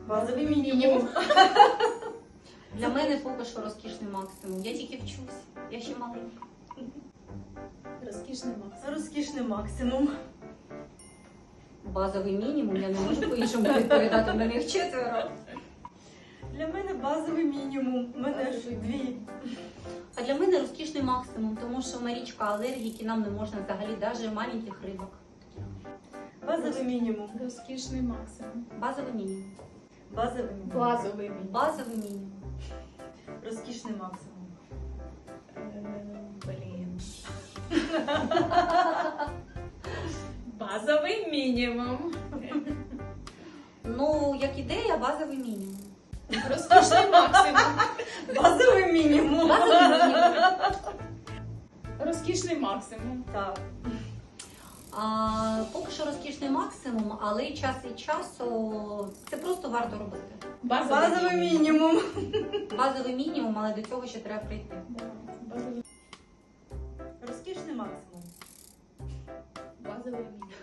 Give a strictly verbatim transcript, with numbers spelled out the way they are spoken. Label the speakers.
Speaker 1: Базовий мінімум.
Speaker 2: Для мене поки що розкішний максимум. Я тільки вчусь, я ще маленька.
Speaker 3: Розкішний максимум.
Speaker 1: Розкішний максимум.
Speaker 2: Базовий мінімум, я не можу по-іншому відповідати, на них четверо.
Speaker 1: Для мене базовий мінімум. У мене ж дві.
Speaker 2: А для мене розкішний максимум, тому що Марічка алергіки, нам не можна взагалі, навіть маленьких рибок.
Speaker 1: Базовий мінімум.
Speaker 3: Розкішний максимум.
Speaker 2: Базовий мінімум.
Speaker 1: Базовий мінімум.
Speaker 3: Базовий мінімум.
Speaker 2: Базовий мінімум.
Speaker 1: Розкішний максимум.
Speaker 3: Е, Блін. Базовий мінімум.
Speaker 2: Ну, як ідея, базовий мінімум.
Speaker 3: Розкішний максимум.
Speaker 1: Базовий мінімум.
Speaker 2: Базовий мінімум.
Speaker 3: Розкішний максимум.
Speaker 1: Так.
Speaker 2: А, поки що розкішний максимум, але час від часу це просто варто робити.
Speaker 1: Базовий мінімум.
Speaker 2: Базовий мінімум, але до цього ще треба прийти.
Speaker 3: Да, базовий-
Speaker 1: Розкішний максимум.
Speaker 3: Базовий мінімум.